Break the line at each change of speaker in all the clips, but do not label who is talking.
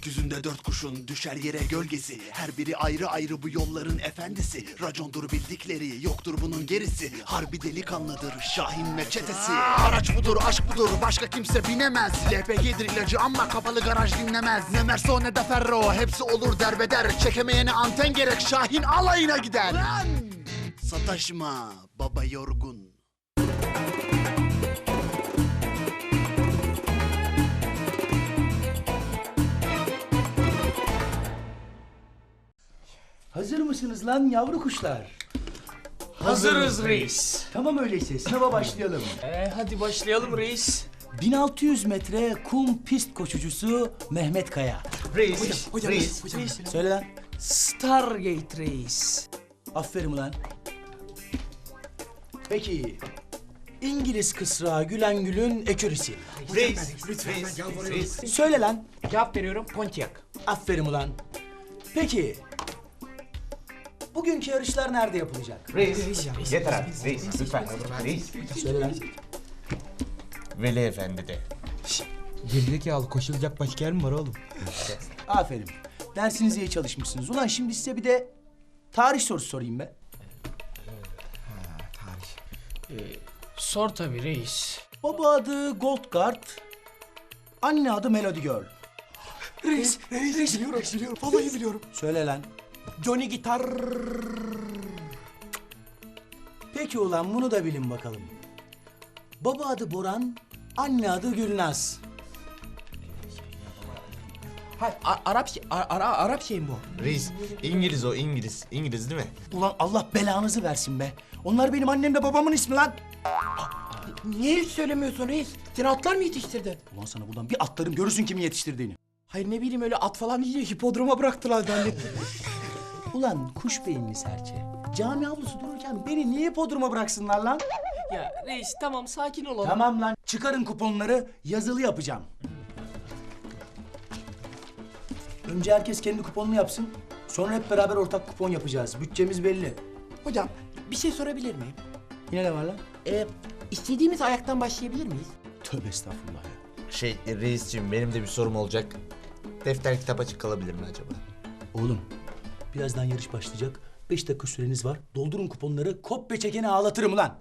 Gökyüzünde dört kuşun düşer yere gölgesi. Her biri ayrı ayrı bu yolların efendisi. Racondur bildikleri, yoktur bunun gerisi. Harbi delikanlıdır Şahin ve çetesi. Araç budur, aşk budur, başka kimse binemez. LPG'dir ilacı ama kapalı garaj dinlemez. Ne Merso ne de Ferro, hepsi olur derbeder. Çekemeyene anten gerek, Şahin alayına gider. Lan! Sataşma baba yorgun.
Hazır mısınız lan yavru kuşlar?
Hazırız reis.
Tamam öyleyse sınava başlayalım.
Hadi başlayalım reis.
1600 metre kum pist koşucusu Mehmet Kaya.
Reis. Reis.
Söyle lan.
Stargate reis.
Aferin lan. Peki. İngiliz kısrağı Gülen Gül'ün ekürisi.
Reis. Reis.
Söyle lan.
Cevap veriyorum Pontiac.
Aferin ulan. Peki. Bugünkü yarışlar nerede yapılacak?
Reis, yeter artık reis, lütfen. Reis,
Söyle lan.
Veli Efendi'de.
Gerizekalı koşulacak başka yer mi var oğlum?
Aferin. Dersinize iyi çalışmışsınız. Ulan şimdi size bir de tarih sorusu sorayım be.
Sor tabii reis.
Baba adı Goldgard, anne adı Melody Girl.
Reis. Biliyorum. Vallahi biliyorum.
Söyle lan.
Johnny Gitar.
Peki ulan bunu da bilin bakalım. Baba adı Boran, anne adı Gülnaz.
Arap şey mi bu?
Reis, İngiliz o, İngiliz. İngiliz değil mi?
Ulan Allah belanızı versin be. Onlar benim annemle babamın ismi lan.
Niye hiç söylemiyorsun reis? Sen atlar mı yetiştirdin?
Ulan sana buradan bir atlarım görürsün kimi yetiştirdiğini.
Hayır ne bileyim öyle at falan değil hipodroma bıraktılar zannettim.
Ulan kuş beyinli serçe. Cami avlusu dururken beni niye podruma bıraksınlar lan?
Ya reis tamam sakin olalım.
Tamam lan çıkarın kuponları yazılı yapacağım. Önce herkes kendi kuponunu yapsın. Sonra hep beraber ortak kupon yapacağız. Bütçemiz belli.
Hocam bir şey sorabilir miyim?
Yine ne var lan?
İstediğimiz ayaktan başlayabilir miyiz?
Tövbe estağfurullah ya.
Reisciğim benim de bir sorum olacak. Defter kitap açık kalabilir mi acaba?
Oğlum birazdan yarış başlayacak. 5 dakika süreniz var. Doldurun kuponları. Kopya çekeni ağlatırım lan.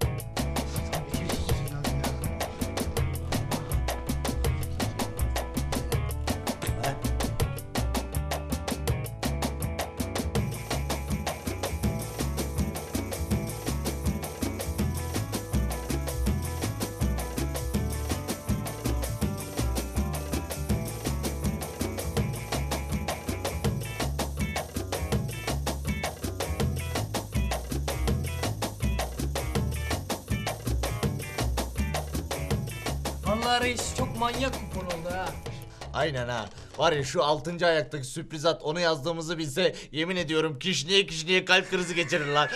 Vallahi reis çok manyak kupon oldu ha.
Aynen ha. Var ya şu 6. ayaktaki sürpriz at onu yazdığımızı bilse yemin ediyorum kişniye kalp krizi geçirir lan.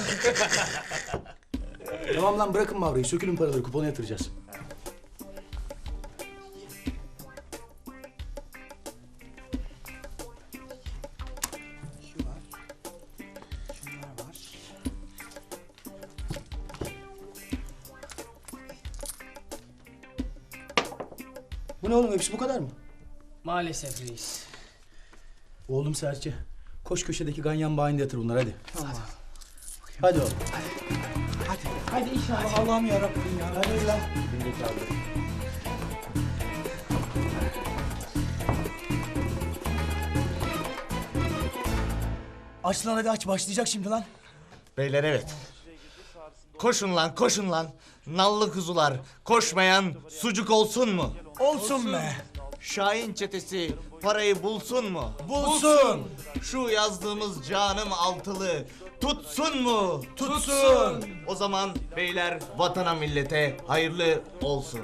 Tamam lan bırakın Mavra'yı. Sökülün paraları. Kupona yatıracağız. Bu ne oğlum? Hepsi bu kadar mı?
Maalesef reis.
Oğlum serçe. Koş köşedeki ganyan bayinde yatır bunları hadi. Tamam. Hadi oğlum.
Hadi inşallah Allah'ım yarabbim ya.
Hadi lan. Aç lan hadi aç. Başlayacak şimdi lan.
Beyler evet. Koşun lan koşun lan. Nallı kuzular. Koşmayan sucuk olsun mu?
Olsun be.
Şahin çetesi parayı bulsun mu?
Bulsun.
Şu yazdığımız canım altılı tutsun mu?
Tutsun.
O zaman beyler vatana millete hayırlı olsun.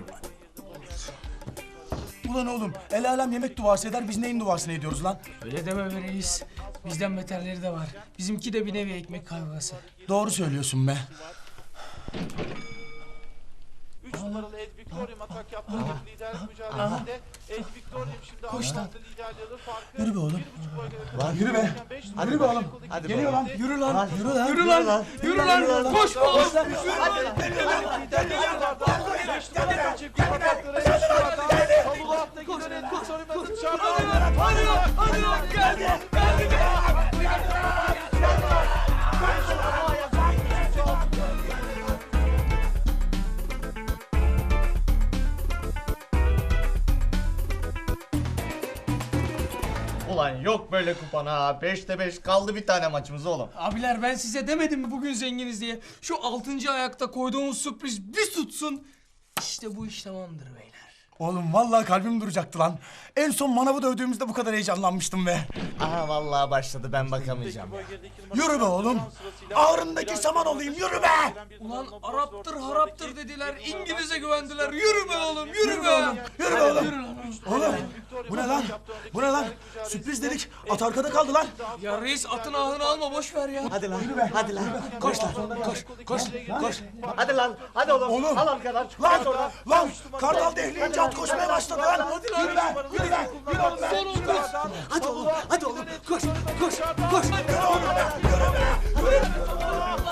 Ulan oğlum el alem yemek duası eder biz neyin duasını ediyoruz lan?
Öyle deme be reis. Bizden beterleri de var. Bizimki de bir nevi ekmek kavgası.
Doğru söylüyorsun be.
3 numaralı Ed Victorium atak yaptı. Liderlik mücadelesinde Ed Victorium şimdi aldı liderliği alır. Farkı
Yürü be oğlum.
1,5 boy kadar.
Lan yürü be.
Hadi
Yürü be oğlum.
Hadi
Geliyor
bakalım.
lan. Yürü lan. Yürü lan.
Yürü lan. Yürü lan. Koş oğlum.
Çift atakları 3 numaradan Salulu hattaki dönen Ed Victorium'la dışarıda.
Ulan yok böyle kupon ha. 5'te 5 kaldı bir tane maçımız oğlum.
Abiler ben size demedim mi bugün zenginiz diye? Şu 6. ayakta koyduğumuz sürpriz bir tutsun. İşte bu iş tamamdır beyler.
Oğlum vallahi kalbim duracaktı lan. En son manavı dövdüğümüzde bu kadar heyecanlanmıştım be.
Aha vallahi başladı, ben bakamayacağım.
Yürü be oğlum. Ağrındaki saman olayım, yürü be.
Ulan Arap'tır haraptır dediler, İngiliz'e güvendiler. Yürü be oğlum, yürü be.
Yürü be oğlum.
Yürü lan.
Oğlum bu ne lan? Bu ne lan? Sürpriz dedik. At arkada kaldı lan.
Ya reis atın ahını alma, boş ver ya.
Hadi lan, hadi lan. Koş lan, koş. Hadi lan, hadi oğlum.
Oğlum.
Al arkadan.
Lan, lan. Kartal dehleyince at koşmaya başladı lan. Yürü be, yürü be. Yürü oğlum be.
Son 30.
Hadi oğlum. Koş. Yürü oğlum be. Yürü be.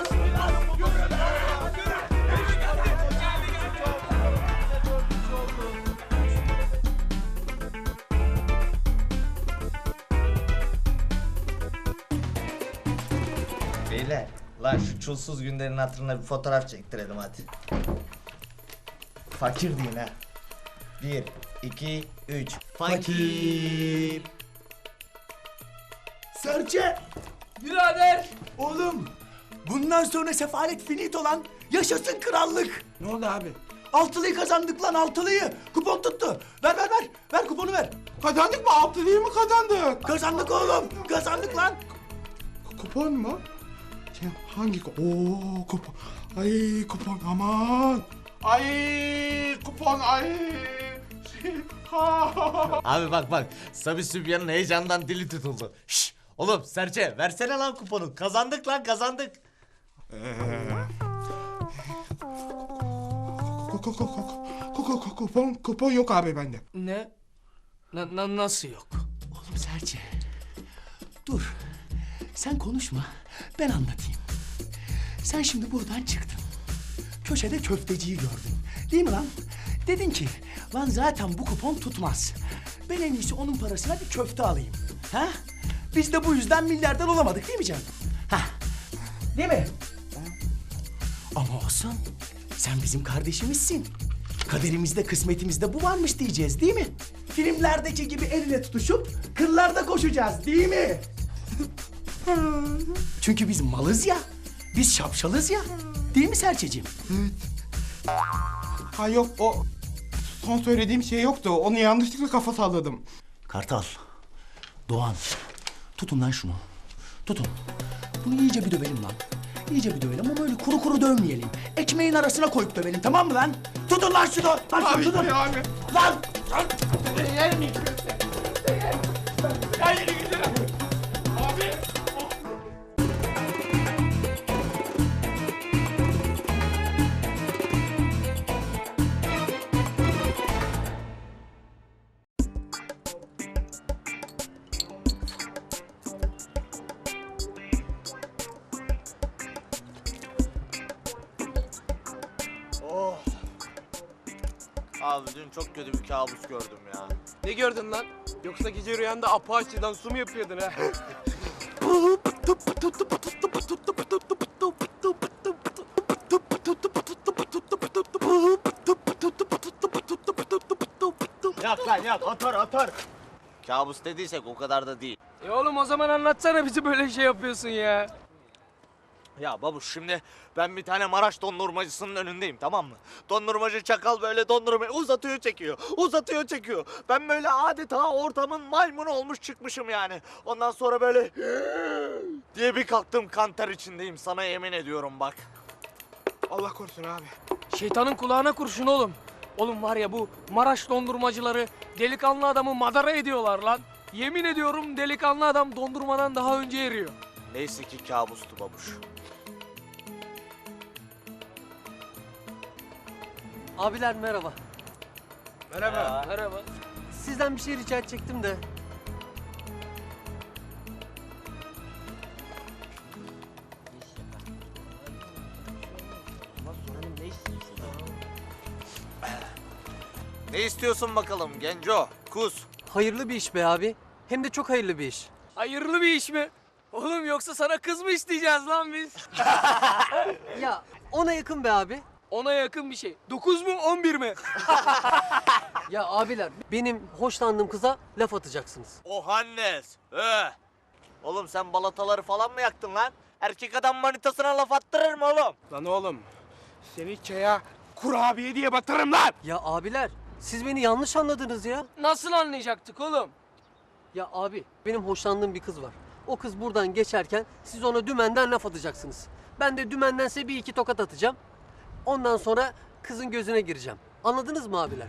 Beyler, lan şu çulsuz günlerin hatırına bir fotoğraf çektirelim hadi. Fakir deyin ha. 1, 2, 3. Fakir.
Serçe.
Birader.
Oğlum. Bundan sonra sefalet finito lan. Yaşasın krallık.
Ne oldu abi?
Altılıyı kazandık lan, altılıyı. Kupon tuttu. Ver. Ver kuponu ver.
Kazandık mı? Altılıyı mı kazandık?
Kazandık oğlum. Kazandık lan.
Kupon mu? Hangi kupon? Oo kupon. Ay kupon aman. Ay kupon ay.
Abi bak, Sabi Sübyan'ın heyecandan dili tutuldu. Şşş, oğlum Serçe versene lan kuponu. Kazandık lan, kazandık.
Kupon yok abi bende.
Ne? Nasıl yok?
Oğlum Serçe. Dur. Sen konuşma. Ben anlatayım. Sen şimdi buradan çıktın. Köşede köfteciyi gördün. Değil mi lan? Dedin ki, lan zaten bu kupon tutmaz. Ben en iyisi onun parasına bir köfte alayım. Ha? Biz de bu yüzden milyarder olamadık değil mi canım? Ha? Değil mi? Ama olsun. Sen bizim kardeşimizsin. Kaderimizde, kısmetimizde bu varmış diyeceğiz değil mi? Filmlerdeki gibi el ele tutuşup kırlarda koşacağız değil mi? Çünkü biz malız ya. Biz şapşalız ya. Değil mi Serçeciğim?
Ha yok o son söylediğim şey yoktu. Onu yanlışlıkla kafa salladım.
Kartal, Doğan, tutun lan şunu. Tutun. Bunu iyice bir dövelim lan. İyice bir dövelim ama öyle kuru kuru dövmeyelim. Ekmeğin arasına koyup dövelim, tamam mı lan? Tutun lan şunu. Lan
Abi
tutun.
abi.
Lan!
Abi dün çok kötü bir kabus gördüm ya.
Ne gördün lan? Yoksa gece rüyanda Apache'den su mu yapıyordun ha?
Yok lan yok, otur. Kabus dediysek o kadar da değil.
Oğlum o zaman anlatsana bizi böyle şey yapıyorsun ya.
Ya babuş şimdi ben bir tane Maraş dondurmacısının önündeyim, tamam mı? Dondurmacı çakal böyle dondurmayı uzatıyor çekiyor. Ben böyle adeta ortamın maymunu olmuş çıkmışım yani. Ondan sonra böyle diye bir kalktım, kanter içindeyim, sana yemin ediyorum bak.
Allah korusun abi.
Şeytanın kulağına kurşun oğlum. Oğlum var ya bu Maraş dondurmacıları delikanlı adamı madara ediyorlar lan. Yemin ediyorum delikanlı adam dondurmadan daha önce eriyor.
Neyse ki kabustu babuş.
Abiler merhaba.
Merhaba. Merhaba.
Sizden bir şey rica edecektim de.
Ne istiyorsun bakalım genco? Kus.
Hayırlı bir iş be abi. Hem de çok hayırlı bir iş.
Hayırlı bir iş mi? Oğlum yoksa sana kız mı isteyeceğiz lan biz?
Ya ona yakın be abi.
Ona yakın bir şey. 9 mu 11 mi?
Ya abiler benim hoşlandığım kıza laf atacaksınız.
O Hannes. Oğlum sen balataları falan mı yaktın lan? Erkek adam manitasına laf attırır mı oğlum?
Lan oğlum seni çaya kurabiye diye batırırım lan.
Ya abiler siz beni yanlış anladınız ya.
Nasıl anlayacaktık oğlum?
Ya abi benim hoşlandığım bir kız var. O kız buradan geçerken siz ona dümenden laf atacaksınız. Ben de dümenden size bir iki tokat atacağım. Ondan sonra kızın gözüne gireceğim. Anladınız mı abiler?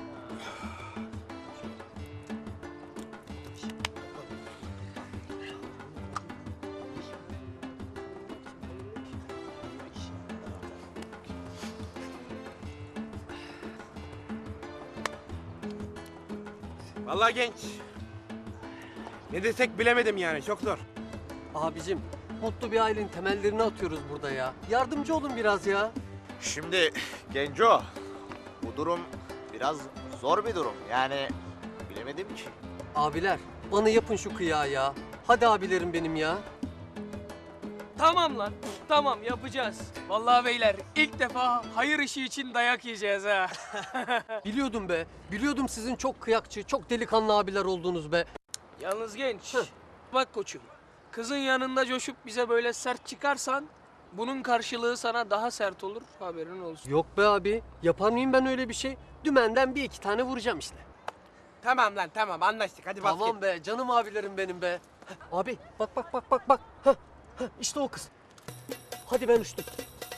Vallahi genç. Ne desek bilemedim yani çok zor.
Abicim mutlu bir ailenin temellerini atıyoruz burada ya. Yardımcı olun biraz ya.
Şimdi Genco, bu durum biraz zor bir durum. Yani bilemedim ki.
Abiler bana yapın şu kıyağı ya. Hadi abilerim benim ya.
Tamam lan. Tamam yapacağız. Vallahi beyler ilk defa hayır işi için dayak yiyeceğiz ha.
Biliyordum be. Biliyordum sizin çok kıyakçı, çok delikanlı abiler olduğunuz be.
Yalnız genç. Bak koçum. Kızın yanında coşup bize böyle sert çıkarsan bunun karşılığı sana daha sert olur. Haberin olsun.
Yok be abi. Yapar mıyım ben öyle bir şey? Dümenden bir iki tane vuracağım işte.
Tamam lan tamam anlaştık hadi basket.
Tamam be canım abilerim benim be. Heh, abi bak. Heh, işte o kız. Hadi ben uçtum.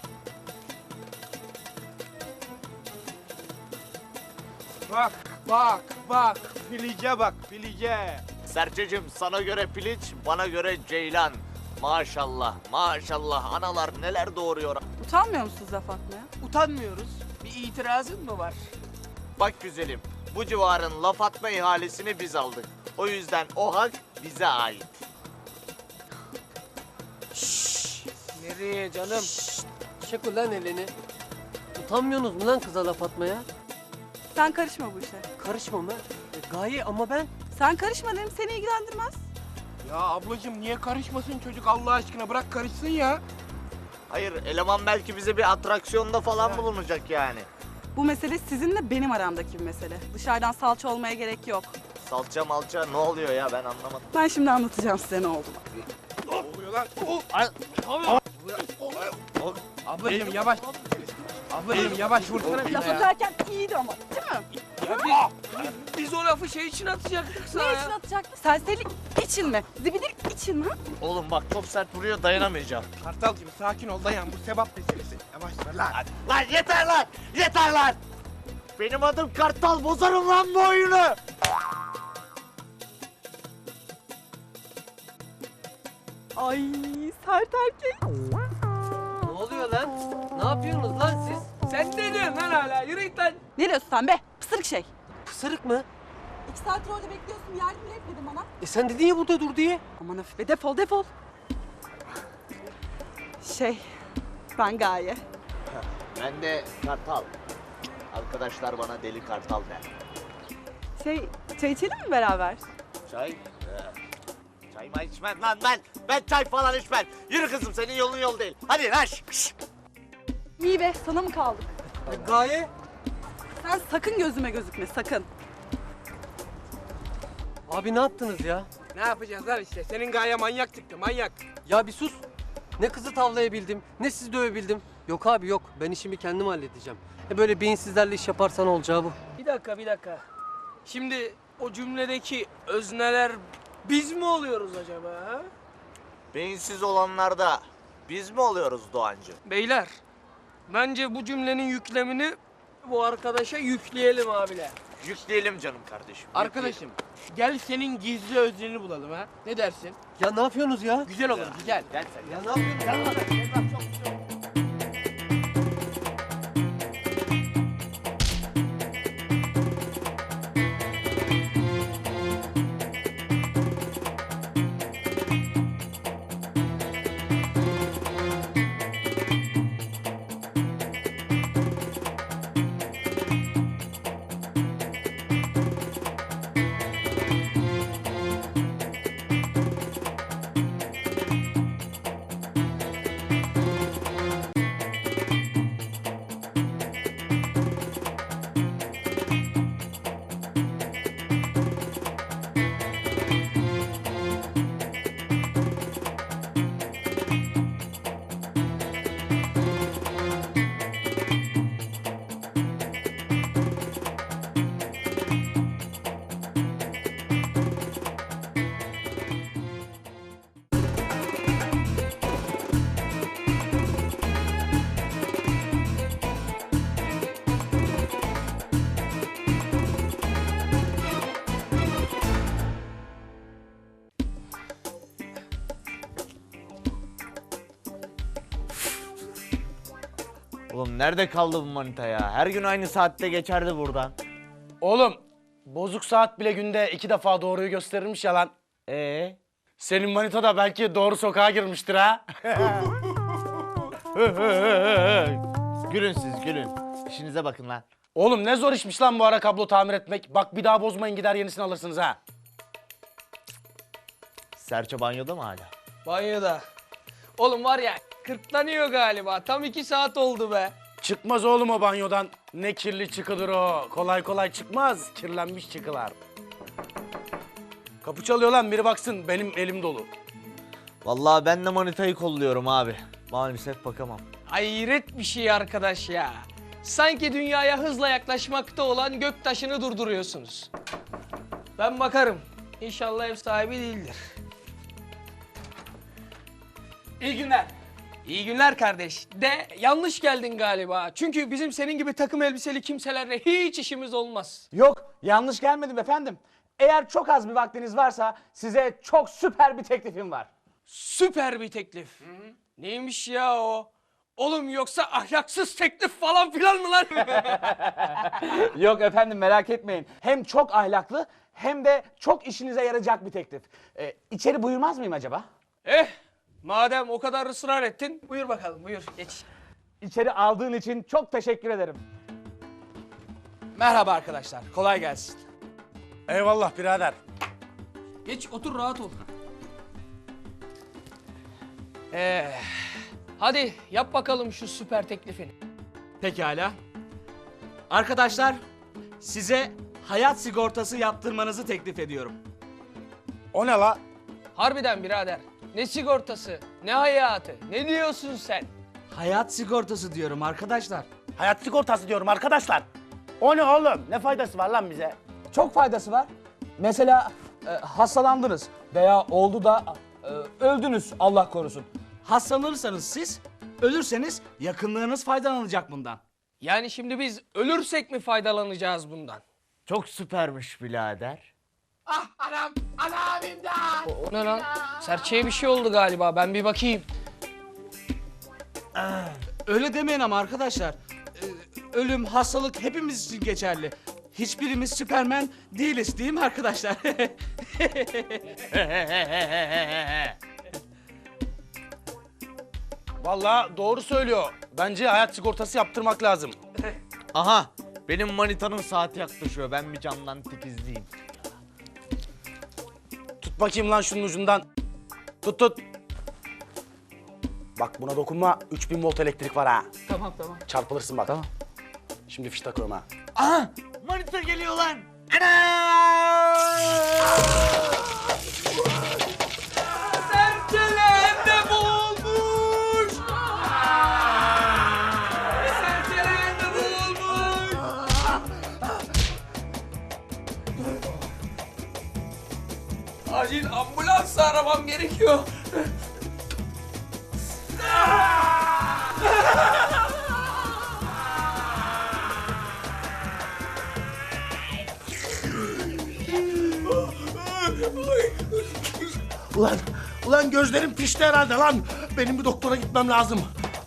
Bak. Filice bak filice.
Serçecim sana göre piliç, bana göre ceylan. Maşallah, maşallah analar neler doğuruyor.
Utanmıyor musunuz laf atmaya?
Utanmıyoruz. Bir itirazın mı var?
Bak güzelim, bu civarın laf atma ihalesini biz aldık. O yüzden o hak bize ait.
Nereye canım?
Çek ulan elini. Utanmıyorsunuz mu lan kıza laf atmaya?
Sen karışma bu işe.
Karışma mı? Gaye ama ben...
Sen karışma dedim, seni ilgilendirmez.
Ya ablacığım niye karışmasın çocuk Allah aşkına bırak karışsın ya.
Hayır, eleman belki bize bir atraksiyonda falan bulunacak yani.
Bu mesele sizinle benim aramdaki bir mesele. Dışarıdan salça olmaya gerek yok.
Salça malça ne oluyor ya ben anlamadım.
Ben şimdi anlatacağım size ne olduğunu.
Ne oluyor lan? Ablacığım yavaş. Ablacığım yavaş vursana bir
Laf
ya.
atarken iyiydi ama, değil mi?
Ya biz o lafı şey için atacaktık sana
Ne
ya.
için atacaktın? Serserilik için mi? Zibidilik için mi?
Oğlum bak çok sert vuruyor dayanamayacağım.
Kartalcığım sakin ol dayan bu sebap meselesi. Yavaş ver lan.
Lan yeter lan! Yeter lan! Benim adım Kartal, bozarım lan bu oyunu!
Ay sert erkek.
Ne oluyor lan? Ne yapıyorsunuz lan siz?
Sen ne diyorsun lan hala? Yürü git lan.
Ne diyorsun sen be? Pısırık şey.
Pısırık mı?
2 saattir orada bekliyorsun, yardım bile etmedin bana.
Sen dedin ya burada dur diye.
Aman hafif be, defol. Ben Gaye.
Ben de Kartal. Arkadaşlar bana Deli Kartal der.
Çay içelim mi beraber?
Çay? Çay mı içmem lan ben? Ben çay falan içmem. Yürü kızım, senin yolun yol değil. Hadi lan şş.
İyi be, sana mı kaldık?
Gaye.
Sen sakın gözüme gözükme, sakın.
Abi ne yaptınız ya?
Ne yapacağız lan işte senin gaye manyak çıktı manyak.
Ya bir sus. Ne kızı tavlayabildim, ne sizi dövebildim. Yok abi yok. Ben işimi kendim halledeceğim. Böyle beyinsizlerle iş yaparsan olacağı bu.
Bir dakika. Şimdi o cümledeki özneler biz mi oluyoruz acaba ha?
Beyinsiz olanlarda biz mi oluyoruz Doğancı?
Beyler, bence bu cümlenin yüklemini bu arkadaşa yükleyelim abiler.
Yükleyelim canım kardeşim.
Arkadaşım gel senin gizli özleni bulalım ha. Ne dersin?
Ya ne yapıyorsunuz ya?
Güzel olur güzel.
Gel sen.
Ya ne yapıyorsunuz?
Oğlum nerede kaldı bu manita ya? Her gün aynı saatte geçerdi buradan.
Oğlum bozuk saat bile günde 2 defa doğruyu gösterirmiş ya lan. Senin manita da belki doğru sokağa girmiştir ha.
Gülün siz gülün. İşinize bakın lan.
Oğlum ne zor işmiş lan bu ara kablo tamir etmek. Bak bir daha bozmayın gider yenisini alırsınız ha.
Serçe banyoda mı hala?
Banyoda. Oğlum var ya kırklanıyor galiba. Tam 2 saat oldu be.
Çıkmaz oğlum o banyodan. Ne kirli çıkılır o. Kolay kolay çıkmaz. Kirlenmiş çıkılar. Kapı çalıyor lan biri baksın benim elim dolu.
Vallahi ben de manitayı kolluyorum abi. Maalesef bakamam.
Hayret bir şey arkadaş ya. Sanki dünyaya hızla yaklaşmakta olan göktaşını durduruyorsunuz. Ben bakarım. İnşallah ev sahibi değildir. İyi günler. İyi günler kardeş. De yanlış geldin galiba. Çünkü bizim senin gibi takım elbiseli kimselerle hiç işimiz olmaz.
Yok, yanlış gelmedim efendim. Eğer çok az bir vaktiniz varsa size çok süper bir teklifim var.
Süper bir teklif. Neymiş ya o? Oğlum yoksa ahlaksız teklif falan filan mı lan?
Yok efendim merak etmeyin. Hem çok ahlaklı hem de çok işinize yarayacak bir teklif. İçeri buyurmaz mıyım acaba?
Madem o kadar ısrar ettin, buyur bakalım, buyur geç.
İçeri aldığın için çok teşekkür ederim.
Merhaba arkadaşlar, kolay gelsin.
Eyvallah birader.
Geç, otur, rahat ol. Hadi yap bakalım şu süper teklifini.
Pekala. Arkadaşlar, size hayat sigortası yaptırmanızı teklif ediyorum.
O ne la?
Harbiden birader, ne sigortası, ne hayatı, ne diyorsun sen?
Hayat sigortası diyorum arkadaşlar.
Hayat sigortası diyorum arkadaşlar. O ne oğlum? Ne faydası var lan bize?
Çok faydası var. Mesela hastalandınız veya oldu da öldünüz Allah korusun.
Hastalanırsanız siz, ölürseniz yakınlarınız faydalanacak bundan.
Yani şimdi biz ölürsek mi faydalanacağız bundan?
Çok süpermiş birader.
O ne lan? Serçeye bir şey oldu galiba, ben bir bakayım.
Öyle demeyin ama arkadaşlar. Ölüm, hastalık hepimiz için geçerli. Hiçbirimiz Süpermen değiliz değil mi arkadaşlar?
Vallahi doğru söylüyor. Bence hayat sigortası yaptırmak lazım.
Aha benim manitanın saati yaklaşıyor. Ben bir camdan tikizleyeyim.
Tut bakayım lan şunun ucundan. Tut tut. Bak buna dokunma. 3000 volt elektrik var ha.
Tamam.
Çarpılırsın bak. Tamam. Şimdi fiş takıyorum ha.
Aha manita geliyor lan.
Serçelende boğulmuş! Serçelende boğulmuş! Acil ambulans aramam gerekiyor.
Ulan gözlerim pişti herhalde lan. Benim bir doktora gitmem lazım.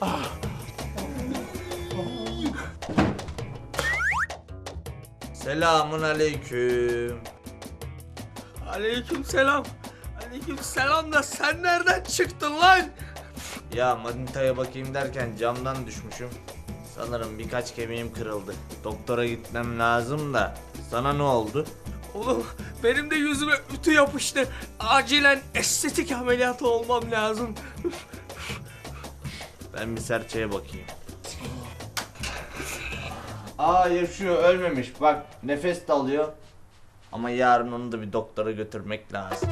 Selamun aleyküm.
Aleykümselam. Aleykümselam da sen nereden çıktın lan?
Ya manitaya bakayım derken camdan düşmüşüm. Sanırım birkaç kemiğim kırıldı. Doktora gitmem lazım da. Sana ne oldu?
Oğlum benim de yüzüme ütü yapıştı. Acilen estetik ameliyatı olmam lazım.
Ben bir serçeye bakayım. Aa yaşıyor, ölmemiş. Bak nefes de alıyor. Ama yarın onu da bir doktora götürmek lazım.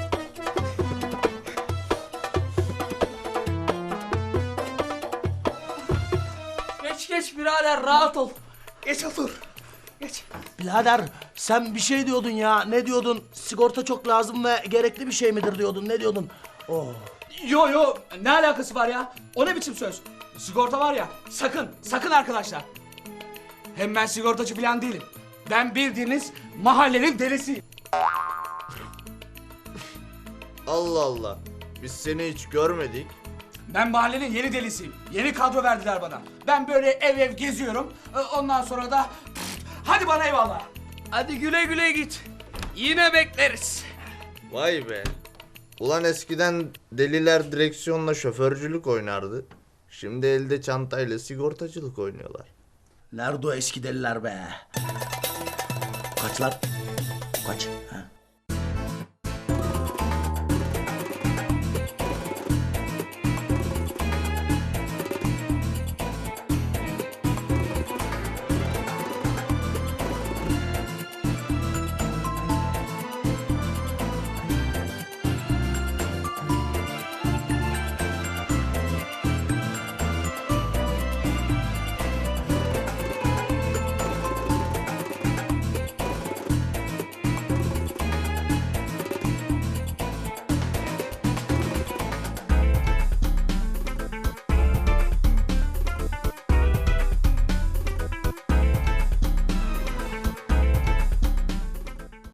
Geç birader rahat ol. Geç otur. Geç.
Birader sen bir şey diyordun ya. Ne diyordun? Sigorta çok lazım ve gerekli bir şey midir diyordun. Ne diyordun?
Yo ne alakası var ya? O ne biçim söz? Sigorta var ya, sakın arkadaşlar. Hem ben sigortacı falan değilim. Ben bildiğiniz mahallenin delisiyim.
Allah Allah. Biz seni hiç görmedik.
Ben mahallenin yeni delisiyim. Yeni kadro verdiler bana. Ben böyle ev ev geziyorum. Ondan sonra da hadi bana eyvallah.
Hadi güle güle git. Yine bekleriz.
Vay be. Ulan eskiden deliler direksiyonla şoförcülük oynardı. Şimdi elde çantayla sigortacılık oynuyorlar.
Nerede o eski deliler be? Kaç lan? Kaç? Ha?